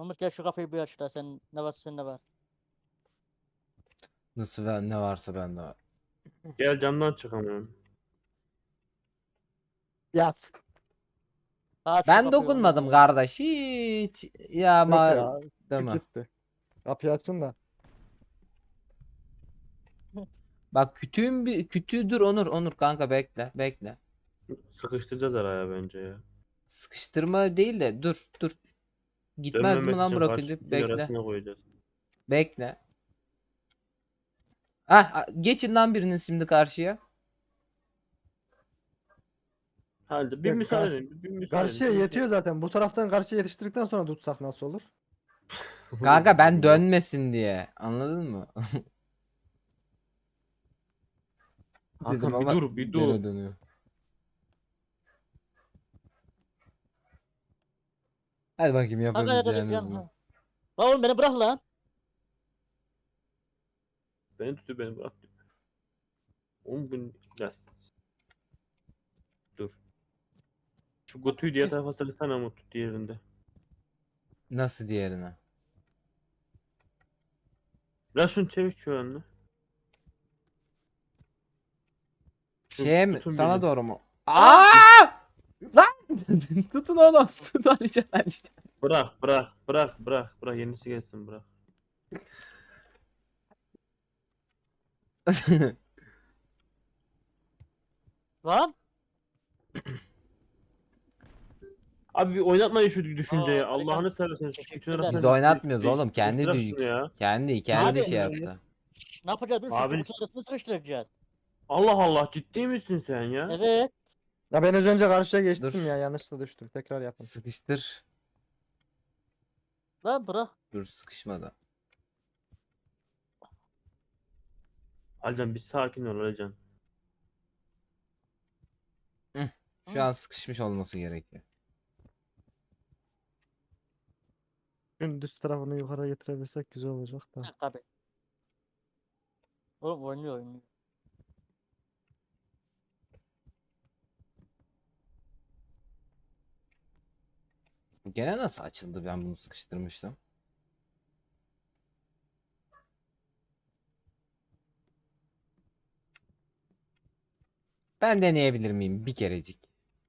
Umut gel şu kapıyı bir aç da sen ne varsa sende var. Nasıl ne varsa bende var. Gel camdan çıkamıyorum. Yat. Aç şu Ben kapıyı oğlum dokunmadım ya. kardeş hiç. Ya Yok ama ya. değil Küt mi? gitti. Kapıyı açın da. Bak kütüğün bir kütüğü dur Onur kanka bekle. Sıkıştıracağız araya bence ya. Sıkıştırma değil de dur. Gitmez mi Dönmemek lan için bırakınca? karşılıklı Bekle. arasına koyacağız. Bekle. Ah geçin lan birinin şimdi karşıya. Hadi bir Yok, müsaade edin. Bir müsaade edin. Karşıya Bir müsaade yetiyor zaten. Bu taraftan karşıya yetiştirdikten sonra tutsak nasıl olur? edin. Kanka ben dönmesin diye. Anladın mı? Dedim Hakan bir ama dur bir dur. gene dönüyor. Hadi bakayım Kanka nerede yapabileceğiniz diyeceğim mi? ha. Lan oğlum beni bırak lan. Beni tutuyor beni bırak. Oğlum bu biraz. Dur. Şu Gotu'yu diğer tarafa sarısana Umut diğerinde. Nasıl diğerine? Biraz şunu çevir şu önüne. Şu Şey mi? tutun Sana beni. doğru mu? Aa! Lan! Tutun oğlum. Tut Alican. Bırak yenisi gelsin bırak. Lan. Abi bir oynatmayın şu düşünceyi. Aa, Alican, Allah'ını seversen şu kütüğün teşekkürler. Biz arasından oynatmıyoruz oğlum. Kendi sıkıştırak şunu ya. kendi Abi. şey yaptı. Şş, ne yapacağız? Dur şu Abi çubuk arasını sıkıştıracağız. Allah Allah ciddi misin sen ya? Evet. Ya ben az önce karşıya geçtim Dur. ya. Yanlışla düştüm. Tekrar yapın. Sıkıştır. Lan bırak. Dur sıkışmadı. Alican bir sakin ol Alican. Şu an sıkışmış olması gerekiyor. Şunun düz tarafını yukarı getirebilsek güzel olacak da. Ha, tabii. Oğlum oynuyor. Gene nasıl açıldı ben bunu sıkıştırmıştım. Ben deneyebilir miyim bir kerecik?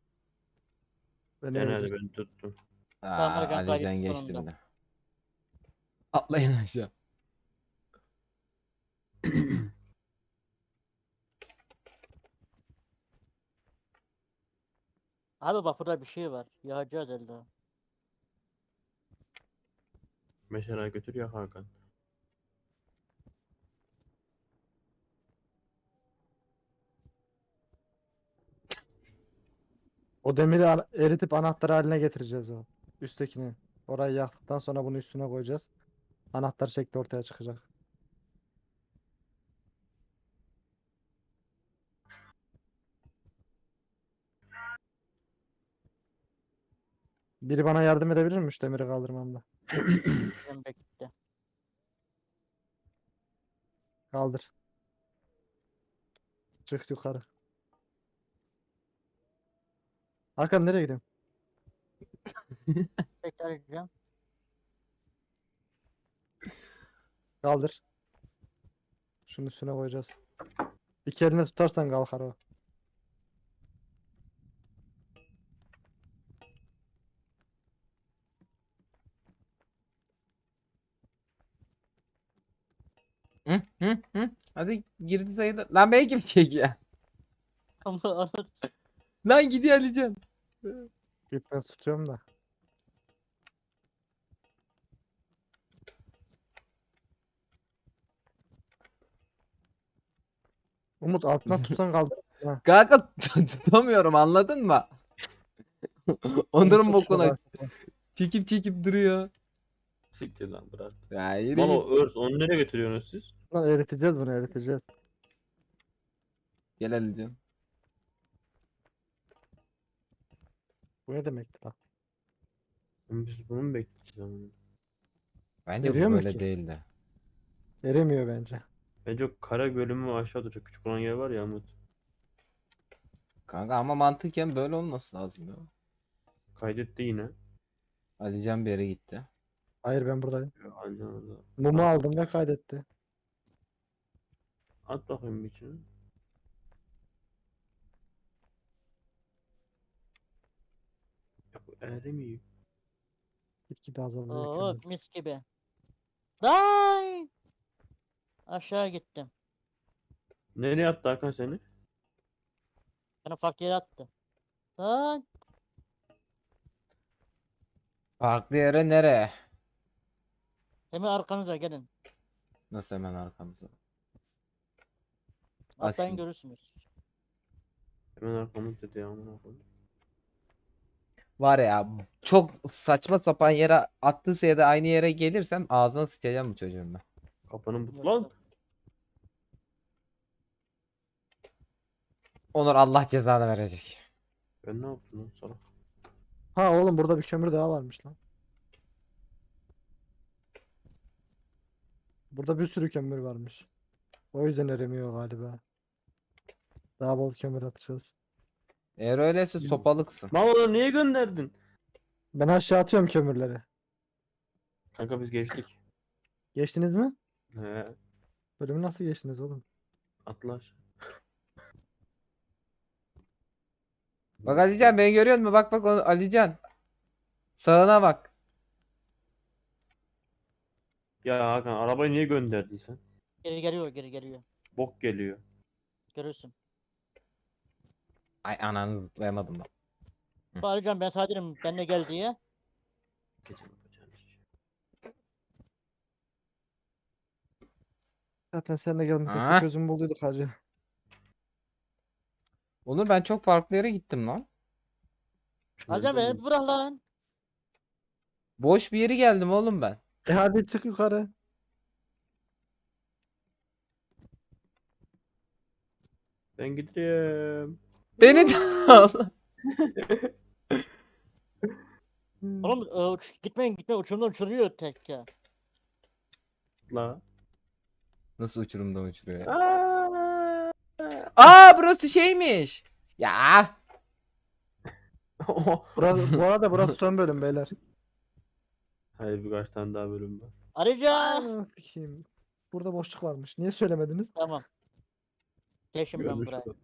Gene hadi Deneyebiliriz. ben tuttum. Tamam, Alican Alican kaybetti geçti sonunda. bile. Atlayın aşağı. Abi bak burada bir şey var. Yakacağız elde. Mesela götür ya Hakan. O demiri eritip anahtar haline getireceğiz o. Üsttekini. Orayı yaktıktan sonra bunu üstüne koyacağız. Anahtar şekli ortaya çıkacak. Biri bana yardım edebilir mi şu demiri kaldırmamda? Ben bekle. Kaldır. Çık yukarı. Hakan nereye gidiyorsun? Bekle Alican. Kaldır. Şunun üstüne koyacağız. İki eline tutarsan kalkar o. Hı. Hadi girdi sayılır. Lan belki mi çekiyor? Ama Lan gidiyor Alican. İpten tutuyorum da. Umut altına tutsan kaldır. Ha. Kanka tutamıyorum anladın mı? Onların Umut tut bokuna şunu. çekip duruyor. Siktir lan bırak. Ya yürü Lan git. o örs onu nereye götürüyorsunuz siz? Lan eriteceğiz bunu eriteceğiz. Gel Alican. Bu ne demekti lan? Oğlum biz bunu mu bekleyeceğiz ama? Bence Eriyor bu mu böyle ki? değildi. Eremiyor bence. Bence o kara bölümü aşağıda çok küçük olan yer var ya Umut. Kanka ama mantıken böyle olması lazım ya. Kaydetti yine. Alican bir yere gitti. Hayır ben buradayım. Aynen orada. Mumu aldım ve kaydetti. At bakayım bir içine. Ya bu erimiyor. Gitgide azalıyor Oo kömür. mis gibi. Day! Aşağı gittim. Nereye attı Hakan seni? Bana farklı yere attı. Day! Farklı yere nereye? Hemen arkanıza gelin. Nasıl hemen arkamıza? Bak Atlayın şimdi. görürsünüz. Hemen arkamı dedi ya amına koyayım. Var ya çok saçma sapan yere attıysa ya da aynı yere gelirsem ağzına sıçacağım bu çocuğun ben. Kapanın but Yok, lan. yok. Onur Allah cezanı verecek. Ben ne yaptım lan sana? Ha oğlum burada bir kömür daha varmış lan. Burada bir sürü kömür varmış. O yüzden eremiyor galiba. Daha bol kömür atacağız. Eğer öyleyse sopalıksın. Mal onu niye gönderdin? Ben aşağı atıyorum kömürleri. Kanka biz geçtik. Geçtiniz mi? He, Bölümü nasıl geçtiniz oğlum? atla aşağı. Bak Alican beni görüyor musun? Bak bak Alican. Sağına bak. Ya Hakan arabayı niye gönderdin sen? Geri geliyor, geri geliyor. Bok geliyor. Görürsün. Ay ananı zıplayamadım ben. Bağıracağım ben sana derim benimle gel diye. Gece yapacağım iş. Zaten seninle gelmesek de Ah. çözüm bulduyduk hacı. Onur ben çok farklı yere gittim lan. Bağıracağım Nereden beni bir bırak lan. Boş bir yere geldim oğlum ben. Hadi çık yukarı. Ben gidiyorum. Beni de al. Oğlum gitmeyin uçurumdan uçuruyor tek ya. La. Nasıl uçurumdan uçuruyor ya? Aa! Aa burası şeymiş. Ya. Bu arada burası son bölüm beyler. Hayır birkaç tane daha bölüm var. Arayacağım. Ananı sikeyim. Burada boşluk varmış. Niye söylemediniz? Tamam. Geçin ben Görmüş buraya. olduk.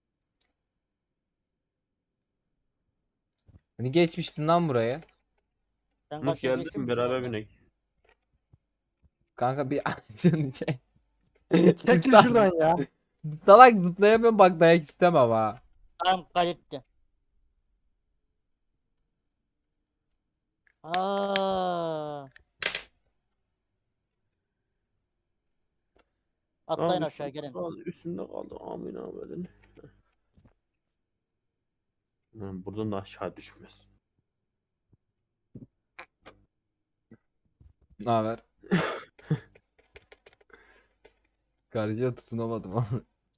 Hani geçmiştin lan buraya. Sen Hı, karşıya geçtin geldim mi beraber zaten? binek. Kanka bir acını çek. Çekil şuradan ya. Salak zıplayamıyorum bak dayak istemem ha. Tamam kaydetti. Aa. Atlayın Abi, aşağı gelin. Üstünde kaldı amin abedin. Buradan da aşağı düşmez. Ne haber? Karıcıya tutunamadım ama.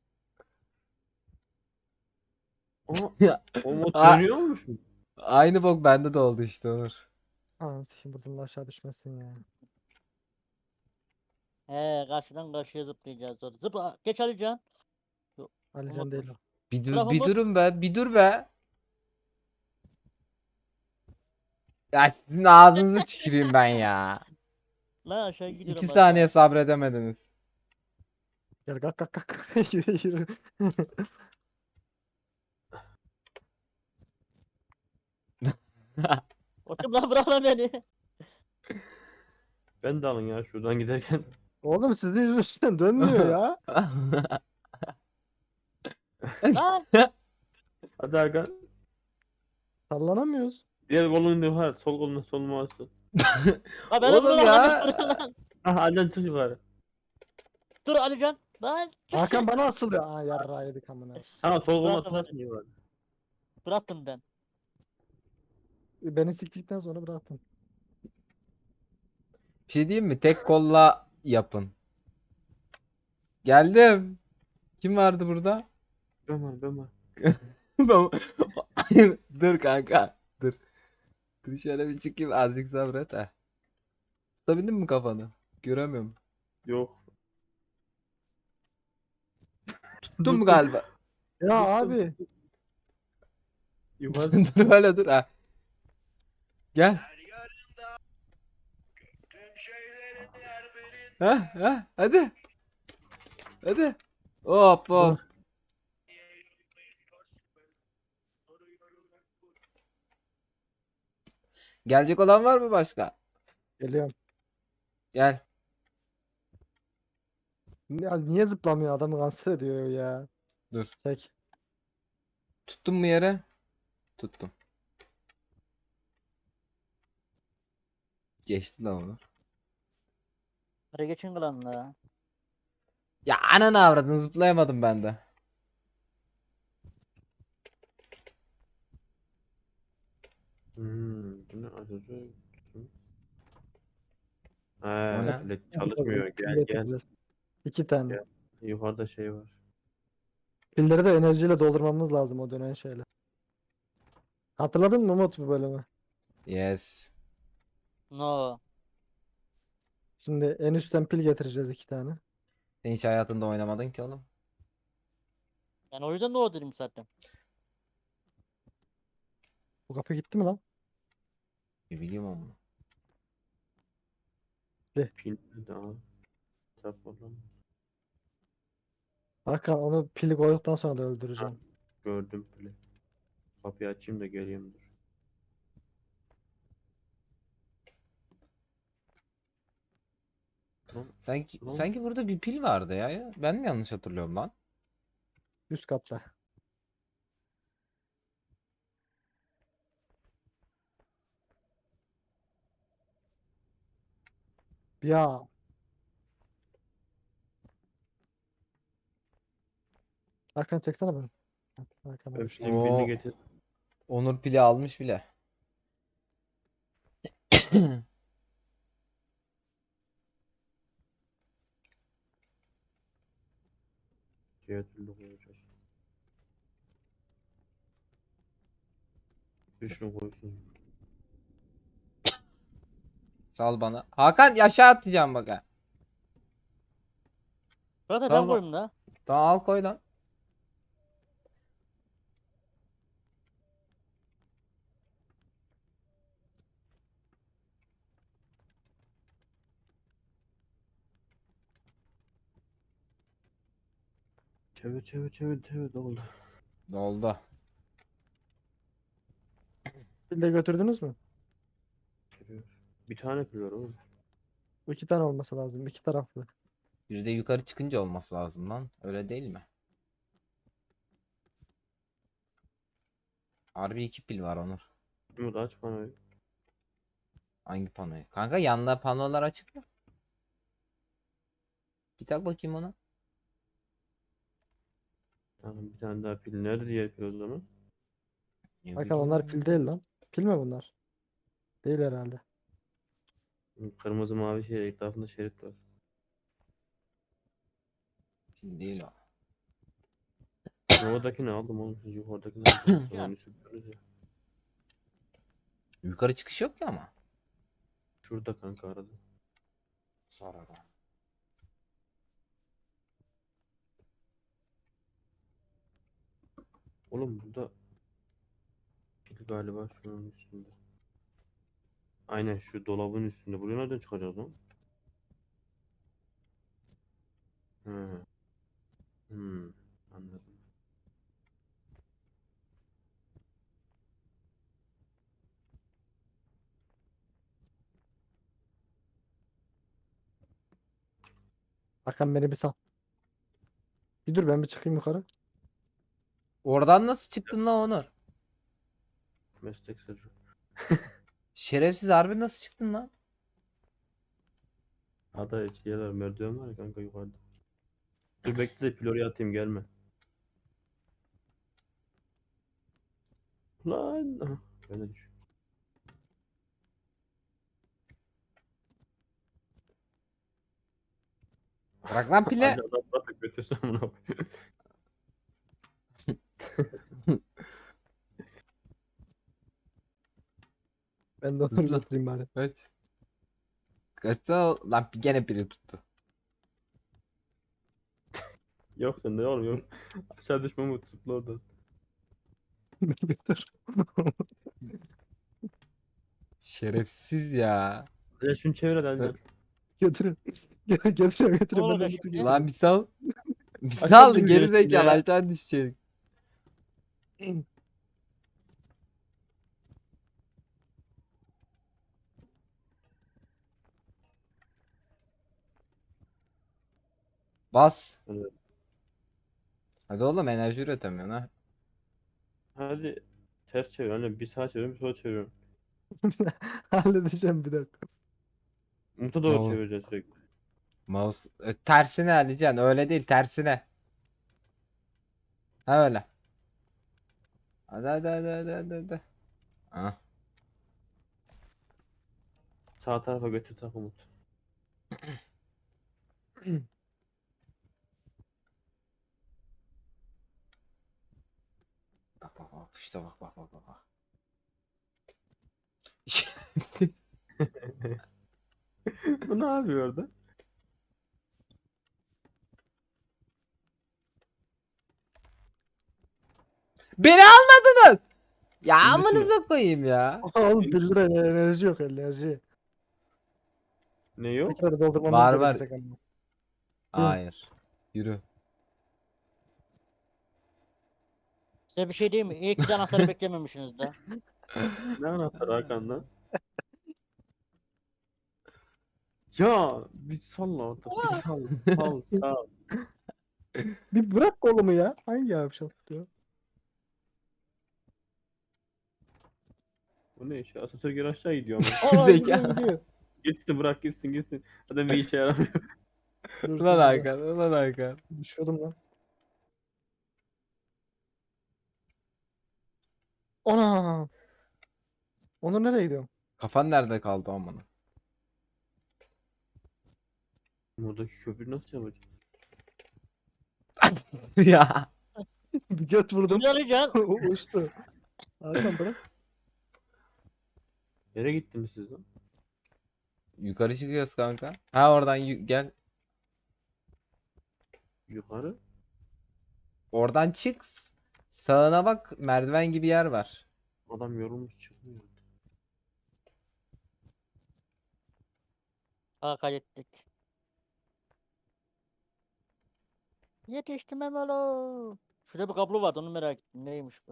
Aa, Ya, o mod Aa. dönüyormuş mu? Aynı bok bende de oldu işte Onur. Ananı sikeyim buradan da aşağı düşmesin ya. He karşıdan karşıya zıplayacağız. Doğru. Zıpla. Geç Alican. Alican değil o. Bir dur, Bravo bir Umut. durun be, bir dur be. Ya sizin ağzınızı tüküreyim ben ya. La aşağı gidiyorum. 2 saniye sabredemediniz. Gel kalk kalk kalk. Yürü yürü. Oğlum lan bırak lan beni. Ben de alın ya şuradan giderken. Oğlum sizin yüzünüzden dönmüyor ya. Lan. Hadi Hakan. Sallanamıyoruz. Diğer kolunu yukarı. Sol kolunu sol mouse'u. La beni Oğlum bırak lan. ya. beni bırak lan. Aha Alican çık yukarı. Dur Alican. Lan. çık. Hakan bana asılıyor. Aa yarra yedik amına. Ha sol kolunu Bıraktım, atarsın yukarı. Bıraktım ben. Beni siktikten sonra bıraktın. Bir şey diyeyim mi? Tek kolla yapın. Geldim. Kim vardı burada? Ben var ben var. Dur kanka. Dur. Dur şöyle bir çıkayım azıcık sabret ha. Tutabildin mi kafanı? Göremiyorum. Yok. Tuttun mu galiba? Ya abi. Yukarı. Dur öyle dur ha. Gel. Hadi. Hadi. Hop hop. Dur. Gelecek olan var mı başka? Geliyorum. Gel. Ya niye zıplamıyor? Adamı kanser ediyor ya. Dur. Çek. Tuttun mu yere? Tuttum. Geçti lan onu. Hadi geçin klanla. Ya ananı avradın zıplayamadım ben de. Bu ne acaba? O ne? Pile çalışmıyor. Pil Gel gel. getireceğiz. 2 tane. Gel. Yukarıda şey var. Pilleri de enerjiyle doldurmamız lazım o dönen şeyle. Hatırladın mı Umut bu bölümü? Yes. No. Şimdi en üstten pil getireceğiz 2 tane. Sen hiç hayatında oynamadın ki oğlum. Yani o yüzden no dedim zaten. Bu kapı gitti mi lan? Bir bileyim onu. Pil daha. Kitap var lan. Hakan onu pili koyduktan sonra da öldüreceğim. Gördüm pili. Kapıyı açayım da geleyim dur. Lan, Sanki Lan. sanki burada bir pil vardı ya. Ben mi yanlış hatırlıyorum lan? Üst katta. Ya Hakan çeksene beni. Hakan Ben abi. pilin birini Oo, getir. Onur pili almış bile. Diğer türlü koyacağız. Bir şunu koysun. Sal bana. Hakan aşağı atacağım bak ha. Zaten ben Tamam. koyayım da. Tamam al koy lan. Çevir çevir çevir çevir oldu. Doldu. Pil de götürdünüz mü? Çevir. Bir tane pil var oğlum. 2 tane olması lazım. 2 taraflı. Bir de yukarı çıkınca olması lazım lan. Öyle değil mi? Harbi 2 pil var Onur. Umut aç bana. Hangi panoyu? Kanka yanında panolar açık mı? Bir tak bakayım ona. Tamam bir tane daha pil. Nerede diğer pil o zaman? Ne Hakan onlar bileyim. pil değil lan. Pil mi bunlar? Değil herhalde. Kırmızı mavi şey etrafında şerit var. Pil değil o. Oradakini aldım oğlum. Siz yukarıdakini aldınız. Sonra onu sürdünüz ya. Yukarı çıkış yok ya ama. Şurada kanka arada. Sonradan. Oğlum burada pil galiba şunun üstünde. Aynen şu dolabın üstünde. Buraya nereden çıkacağız lan? Hı. Anladım. Hakan beni bir sal. Bir dur ben bir çıkayım yukarı. Oradan nasıl çıktın lan Onur? Meslek sırrı. Şerefsiz harbi nasıl çıktın lan? Hatta şeyler merdiven var ya kanka yukarıda. Dur bekle de pil oraya atayım gelme. Lan. Aha, ben de düş. Bırak lan pili. Hadi adam bırak götürsün bunu. Ben de onu Hızlı. götüreyim bari. Evet. Kaçsana lan gene pili tuttu. Yok sen de oğlum yok. Aşağı düşme Umut zıpla oradan. Beni götür. Şerefsiz ya. Hadi şunu çevir hadi Evet. hadi. Götürün. Götürüyorum Ne götürüyorum. Ben de olacak Umut'u şimdi? götürüyorum. Lan bir sal. Bir Aşağı sal düşecek geri zekalı ya. aşağı düşecek. Bas. Evet. Hadi oğlum enerji üretemiyorsun ha. Hadi ters çevir. Hani bir sağa çeviriyorum, bir sola çeviriyorum. Halledeceğim bir dakika. Umut'a Ne doğru olur. çevireceğiz sürekli. Mouse tersine Alican öyle değil tersine. Ha öyle. Hadi. Ah. Sağ tarafa götür tak Umut. Bak işte bak. Bu ne yapıyor orada? Beni almadınız. Ya İndirsene. amınıza koyayım ya. Oğlum 1 lira enerji yok enerji. Ne yok? Tekrar doldurmamız Var. gerekecek ama. Hayır. Yürü. Size bir şey diyeyim mi? İyi ki de anahtarı beklememişsiniz de. Ne anahtar Hakan'dan? Ya bir salla artık. Bir sal. Bir bırak kolumu ya. Hangi yavşak diyor. Bu ne işe? Asansör geri aşağı gidiyor ama. Aa Zeka. gidiyor. Gitsin bırak gitsin. Zaten bir işe yaramıyor. Dur Ulan şimdi. Hakan. Düşüyordum lan. Ana. Onur nereye gidiyor? Kafan nerede kaldı amına? Buradaki köprü nasıl yapacağız? Ya. Bir göt vurdum. Şimdi arayacaksın. Uçtu. Hakan bırak. Nereye gittiniz siz lan? Yukarı çıkıyoruz kanka. Ha oradan gel. Yukarı. Oradan çık. Sağına bak merdiven gibi yer var. Adam yorulmuş çıkmıyor. Ha kaydettik. Yetiştim Emelo. Şurada bir kablo vardı onu merak ettim. Neymiş bu?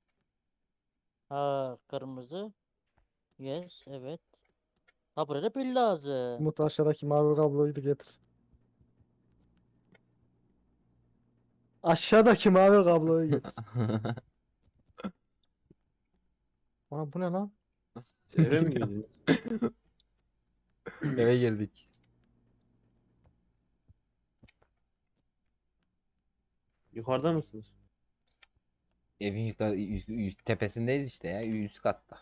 Ha kırmızı. Yes evet. Ha buraya da pil lazım. Umut aşağıdaki mavi kabloyu da getir. Aşağıdaki mavi kabloyu getir. Ana bu ne lan? Eve mi girdiniz? Eve girdik. Yukarıda mısınız? Evin yukarı tepesindeyiz işte ya üst katta.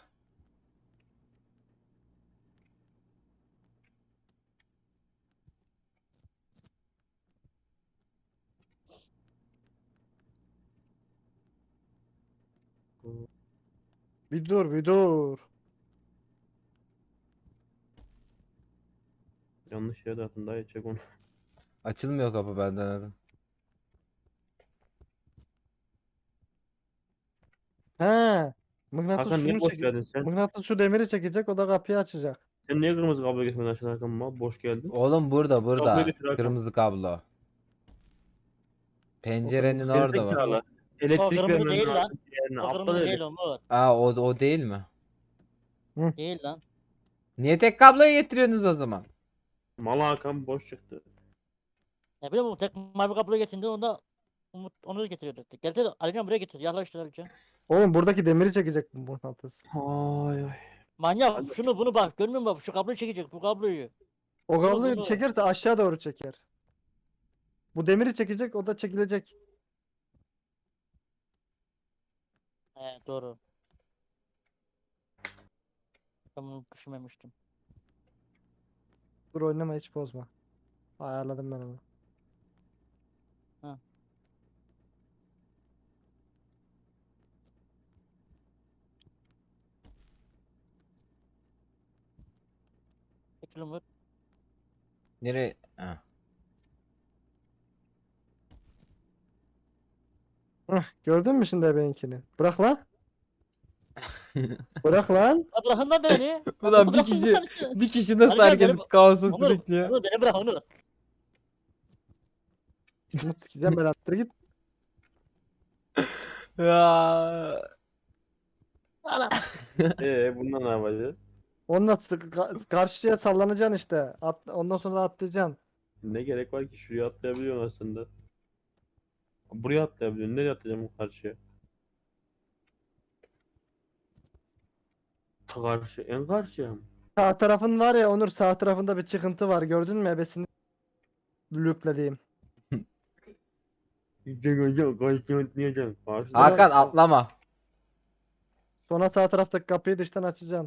Bir dur bir dur. Yanlış yere attın daha çek onu. Açılmıyor kapı ben denedim. He. Mıknatıs Hakan niye şunu boş çek. geldin sen? Mıknatıs şu demiri çekecek o da kapıyı açacak. Sen niye kırmızı kablo getirmedin aşağıdan Hakan mal? Boş geldin. Oğlum burada Kabloyu getir Hakan. kırmızı kablo. O Pencerenin kırmızı orada var. Gerizekalı. O Elektrik kırmızı vermen değil lan. lazım diğerine. O Aptal kırmızı herif. değil Umut. Aa o değil mi? Değil lan. Niye tek kabloyu getiriyorsunuz o zaman? Mal Hakan boş çıktı. Ne bileyim Umut tek mavi kablo getirdi onda Umut onu getiriyor dedi. Gel de Alican buraya getir. Yaklaştır Alican. Oğlum buradaki demiri çekecek bu mıknatıs. Ay. Manyak Hadi. şunu bunu bak görmüyor musun? Şu kabloyu çekecek bu kabloyu. O kabloyu bunu. çekerse aşağı doğru çeker. Bu demiri çekecek o da çekilecek. He doğru. Ben bunu düşünmemiştim. Dur oynama hiç bozma. Ayarladım ben onu. Ha. Peki Umut. Nereye? Ha. Hıh, gördün mü şimdi benimkini? Bırak lan. Bırak lan. Ya bırakın lan beni. Ulan bir Bırakın kişi lan. bir kişi nasıl Alican herkes beni kaosa Onur. sürüklüyor? Onur beni bırak Onur. Umut sikeceğim ben attır git. Ya. Ana. Bundan ne yapacağız? Onunla karşıya sallanacaksın işte. Ondan sonra da atlayacaksın. Ne gerek var ki? Şuraya atlayabiliyorsun aslında. Buraya atlayabiliyorsun. Nereye atlayacağım karşıya? Karşı, en karşıya mı? Sağ tarafın var ya Onur, sağ tarafında bir çıkıntı var. Gördün mü ebesini looplediğim. Gideceksin, karşıya atlayacaksın. Karşıda Hakan var. atlama. Sonra sağ taraftaki kapıyı dıştan açacaksın.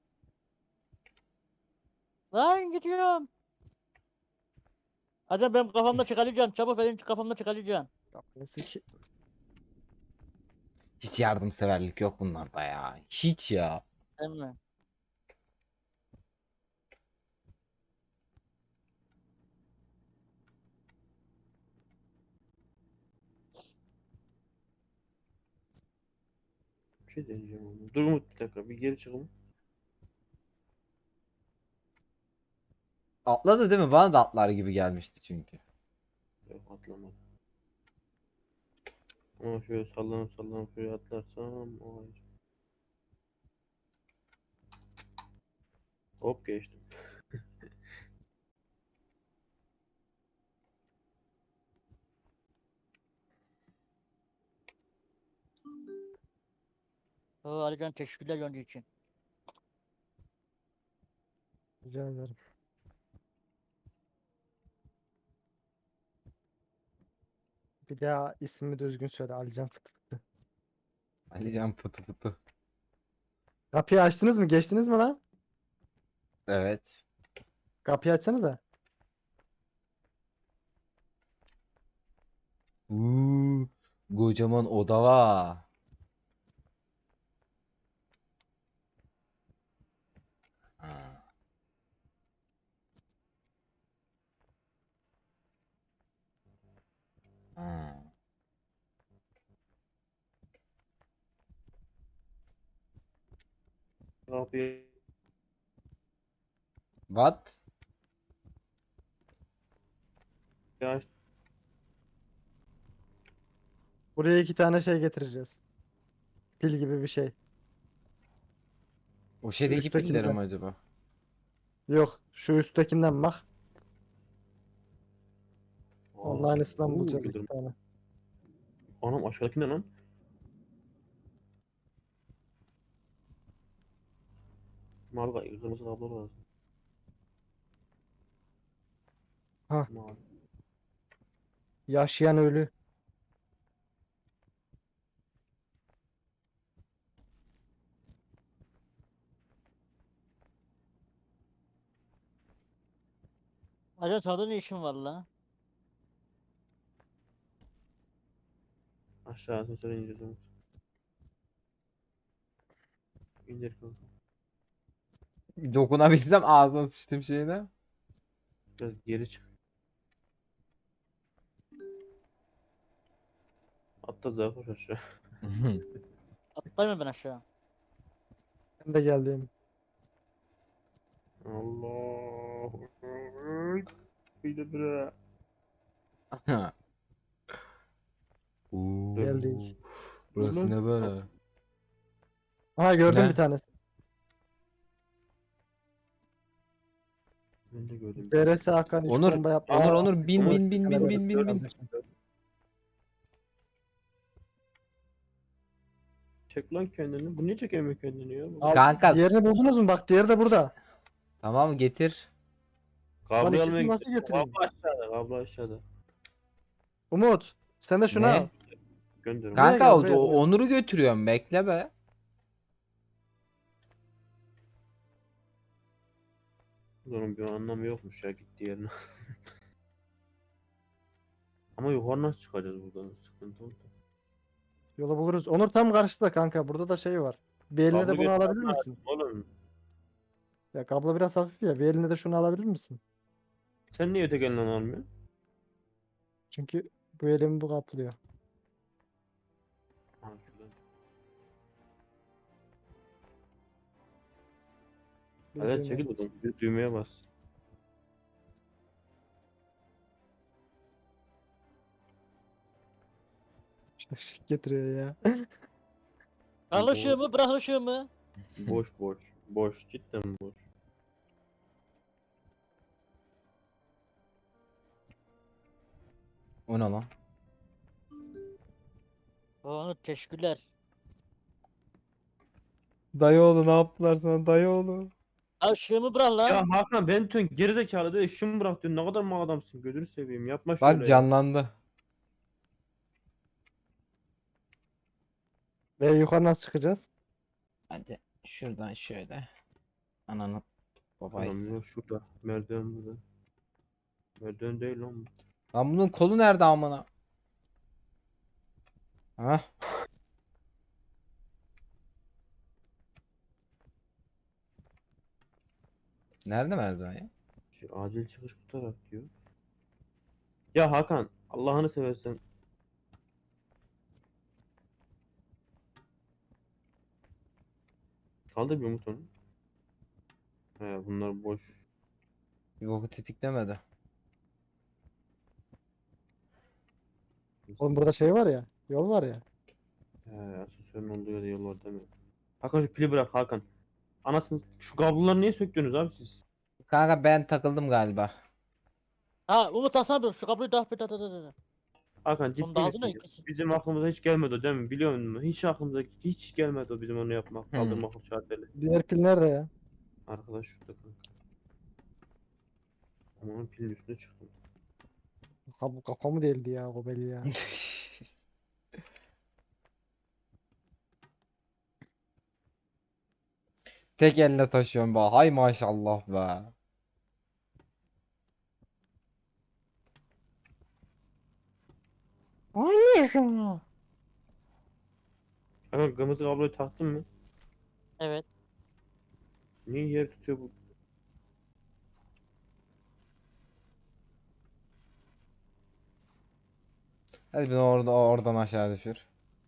Lan gidiyorum. Alican benim kafamda çıkaracaksın. Çabuk benim kafamda çıkaracaksın. Kapıyı sik. Hiç yardımseverlik yok bunlarda ya. Hiç ya. Değil mi? Bir şey diyeceğim ama. Dur Umut bir dakika. Bir geri çık Umut. Atladı değil mi? Bana da atlar gibi gelmişti çünkü. Yok atlamadım. Ama şöyle sallanıp sallanıp şöyle atlarsam o ayrı. Hop geçtim. Oo, Alican teşekkürler yonca için. Rica ederim. Bir daha ismimi düzgün söyle Alican Fıtı Fıtı. Alican pıtı pıtı. Kapıyı açtınız mı? Geçtiniz mi lan? Evet. Kapıyı açsanız da. Kocaman oda var. Ha. Ha. Kapıyı What? aç. Buraya 2 tane şey getireceğiz. Pil gibi bir şey. O şeydeki pillerim Üsttekinden. acaba? Yok. Şu üsttekinden bak. Onun Aa, aynısından bulacağız yıldırım. 2 tane. Anam aşağıdaki ne lan? Mavi kırmızı kablo lazım. Ha. Mavi. Yaşayan ölü. Alican sağda ne işin var la? Aşağı asansöre ineceğiz Umut. İndir kanka. Dokunabilsem ağzına sıçtım şeyine. Biraz geri çık. Atla zaten koş aşağı. Atlayayım mı ben aşağı? Ben de geldim. Allah. Bir de bre. Geldik. Burası ne böyle? Aha gördüm Ne? bir tanesi. Ben de gördüm. BRS Hakan hiç Onur, bomba yap. Onur bin Onur, bin bin bin bin bin bin. Çek lan kendini. Bu niye çekemiyor kendini ya? Al, Kanka. diğerini buldunuz mu? Bak diğeri de burada. Tamam getir. Lan Kablo ikisini almaya nasıl gidiyor. getireyim? Kablo aşağıda. Kablo aşağıda. Umut. Sen de şunu Ne? al. Gönder onu. Buraya Kanka gel, o, buraya, buraya. Onur'u götürüyorum bekle be. Onun bir anlamı yokmuş ya gitti yerine. Ama yukarı nasıl çıkacağız buradan? Sıkıntı oldu. Yolu buluruz. Onur tam karşıda kanka. Burada da şey var. Bir eline Kablo de bunu götürmem alabilir lazım misin? oğlum. Ya kablo biraz hafif ya. Bir eline de şunu alabilir misin? Sen niye öteki elinden almıyorsun? Çünkü bu elimi bu kaplıyor. Ha şuradan. Bir Evet düğmeye çekil bas. oğlum. Bir düğmeye bas. İşte ışık getiriyor ya. Al Bu- ışığımı, bırak ışığımı. Boş boş. Boş. Cidden boş. O ne lan? Onu teşekkürler. Dayıoğlu ne yaptılar sana dayıoğlu? Al ışığımı bırak lan. Ya Hakan ben diyorsun gerizekalı diyor. Işımı bırak diyorsun. Ne kadar mal adamsın. Gözünü seveyim. Yapma Bak şöyle ya. canlandı. Ve yukarı nasıl çıkacağız? Hadi şuradan şöyle. Ananı Tamam babaysı. yok şurada. Merdiven burada. Merdiven değil lan bu. Lan bunun kolu nerede amına? Hah. Nerede merdiven ya? Acil çıkış bu taraf diyor. Ya Hakan Allah'ını seversen. Kaldır bir Umut onu. He bunlar boş. Bir boku tetiklemedi. Oğlum burada şey var ya. Yol var ya. He asansörün olduğu yerde yol var değil mi? Hakan şu pili bırak Hakan. Anasını şu kabloları niye söktünüz abi siz? Kanka ben takıldım galiba. Ha Umut alsana bir şu kapıyı da bir da. Hakan Onu ciddi da aldın misin? ya ikisi. Bizim aklımıza hiç gelmedi o değil mi? Biliyor musun? Hiç aklımıza hiç gelmedi o bizim onu yapmak. Kaldırmak o şarteli. Diğer pil nerede ya? Arkadaş şurada kanka. Ama onun pilin üstüne çıktım. Ha bu kafamı deldi ya o belli ya. Tek elle taşıyorum be. Hay maşallah be. Hakan kırmızı kabloyu taktın mı? Evet. Niye yer tutuyor bu? Hadi beni oradan aşağı düşür.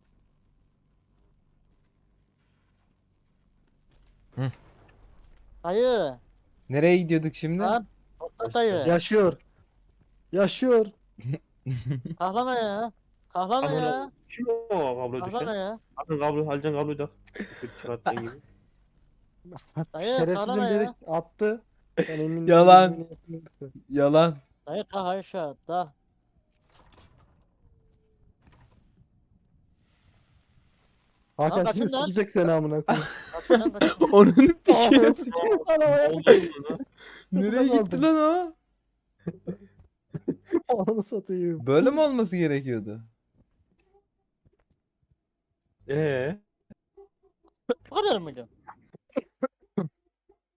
Dayı. Nereye gidiyorduk şimdi? Lan. Toprak dayı. Yaşıyor. Yaşıyor. Kahlama ya. Kahlama Aman ya. Allah'ım. Kim o kabloyu Kahlama düşen? ya. Hakan kablo, Halcan kabloyu tak. Şu çıkarttığın gibi. Dayı Şerefsizin kahlama biri ya. attı. Ben emin Yalan. emin yaptım. Yalan. Dayı kah aşağı da. Hakan kaçın şimdi lan. sikecek seni amına koyayım. Kaçın lan kaçın. Onun Ananı sikeyim. sikeyim. Ne Ananı oldu lan? Nereye gitti lan o? Ananı satayım. Böyle mi olması gerekiyordu? Eee? Bu kadar mıydı?